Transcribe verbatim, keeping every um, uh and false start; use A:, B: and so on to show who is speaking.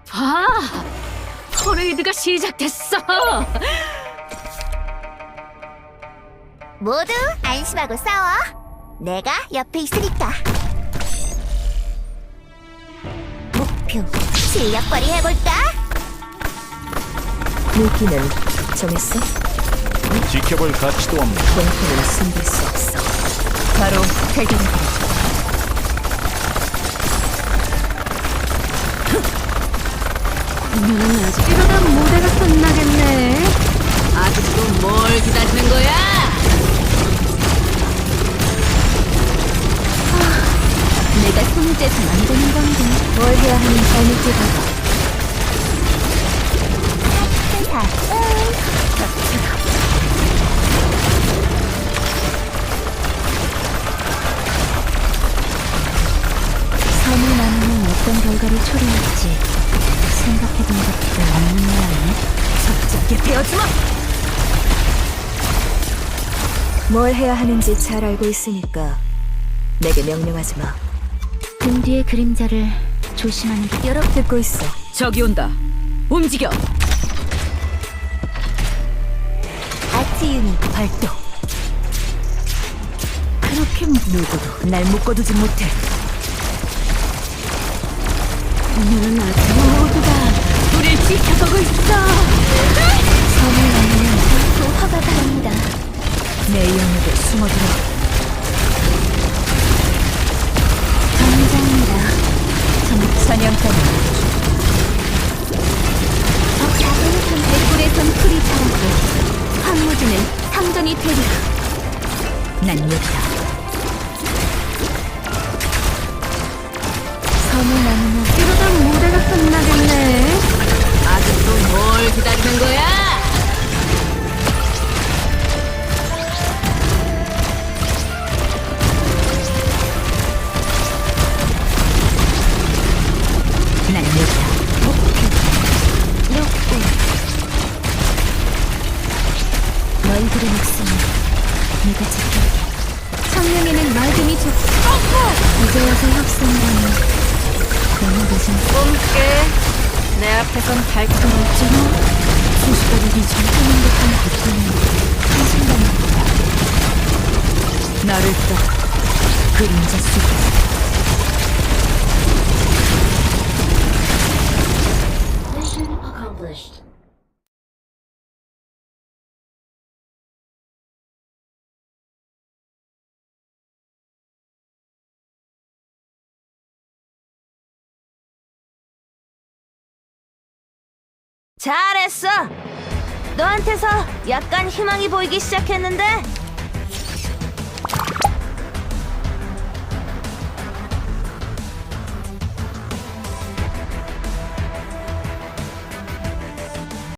A: 아, 퍼레이드가 시작됐어.
B: 모두 안심하고 싸워. 내가 옆에 있으니까. 목표 실력 발휘 해볼까?
C: 무기는 정했어?
D: 지켜볼 가치도 없는
C: 공포는 숨길 수 없어. 바로 해결해드리자.
A: 오늘은 아직 이러다 무대가 끝나겠네. 아직도 뭘 기다리는 거야?
C: 내가 손을 떼서 만드는 건데 뭘 해야 하는 잘못을 봐봐.
B: 자, 응.
C: 선을 나누면 어떤 결과를 초래할지 생각해본 것도 없는 모양이네. 적절하게 베어주마! 뭘 해야 하는지 잘 알고 있으니까 내게 명령하지 마. 등 뒤의 그림자를 조심하는 게 여러 듣고 있어.
A: 저기 온다. 움직여.
C: 아트 유닛 발동. 그렇게 누구도 날 묶어두지 못해.
A: 오늘은 아직 모두가 우릴 지켜보고 있어.
C: 선을 나누면 또 화가 바랍니다. 내 영역에 숨어들어. 당장이다. 전 사냥감이
B: 백골에선 풀이 자라고 황무지는 상전이 되리라.
C: 난 여기다. 선을 나누면
A: 이러다 무대가 끝나겠네. 아직도 뭘 기다리는 거야?
C: 난 여기다. 너희들의 목숨은 내가 지킬게.
B: 청룡에는 맑음이 좋고
C: 이제 와서 협상이라니 너무 늦은.
A: 꿈깨. 내 앞에선 밝혀 있잖아.
C: 수십가족이 전투는 듯한 고통이 한순간입니다. 나를 따라 그림자 속에
B: 잘했어. 너한테서 약간 희망이 보이기 시작했는데